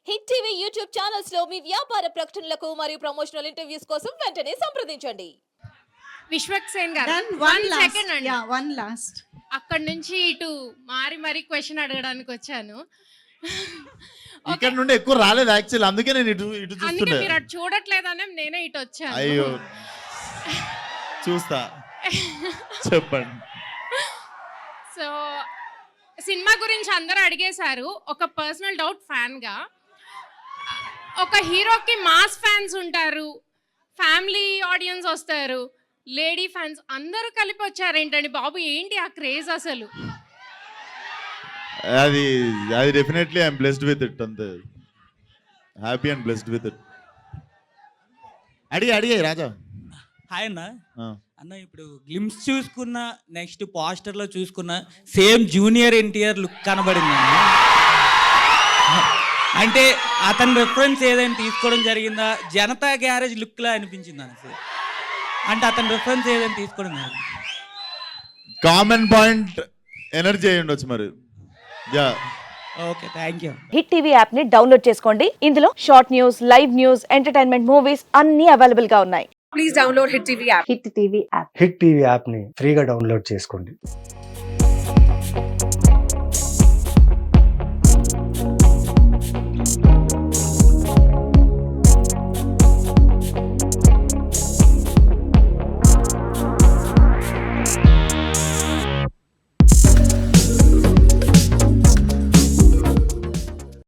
Hit TV YouTube channels లో మీ వ్యాపార ప్రకటనలకు మరియు ప్రమోషనల్ ఇంటర్వ్యూస్ కోసం వెంటనే సంప్రదించండి. విశ్వక్ సేన్ గారు Then one one last. Second అండి. Yeah, one last. అక్కడ నుంచి ఇటు మారి క్వశ్చన్ అడగడానికి వచ్చాను. ఇక్కడ నుండి ఎక్కువ రాలేదు యాక్చువల్, అందుకే నేను ఇటు ఇటు అందుకే చూస్తున్నా. మీరు అటు చూడట్లేదనే నేనే ఇటు వచ్చాను. అయ్యో చూస్తా, చెప్పండి. సో సినిమా గురించి అందరూ అడిగేశారు. ఒక పర్సనల్ డౌట్ ఫ్యాన్ గా, ఒక హీరోకి మాస్ ఫ్యాన్స్ ఉంటారు, ఫ్యామిలీ ఆడియన్స్ వస్తారు, లేడీ ఫ్యాన్స్ అందరూ కలిపి వచ్చారేంటండి బాబు, ఏంటి ఆ క్రేజ్ అసలు? అది అది definitely I'm blessed with it, అంతే. Happy and blessed with it. అడిగాయి రాజా. హాయ్ అన్న. ఆ. అన్న ఇప్పుడు గ్లిమ్స్ చూసుకున్న, నెక్స్ట్ పోస్టర్లో చూసుకున్న సేమ్ జూనియర్ ఎన్టీఆర్ లుక్ కనబడింది అన్న. అంటే అతని రెఫరెన్స్ ఏదైనా తీసుకోవడం జరిగిందా? జనతా గ్యారేజ్ లుక్లా అనిపించింది అన్న సార్. అంటే అతని రెఫరెన్స్ ఏదైనా తీసుకోవడం జరిగింది? కామన్ పాయింట్ ఎనర్జీ అయి ఉండొచ్చు మరి. Yeah, okay, thank you. Hit TV app ని డౌన్లోడ్ చేసుకోండి. ఇందులో short news, live news, entertainment movies అన్ని అవైలబుల్ గా ఉన్నాయి. Please download Hit TV app. Hit TV app. Hit TV యాప్ని ఫ్రీగా డౌన్లోడ్ చేసుకోండి.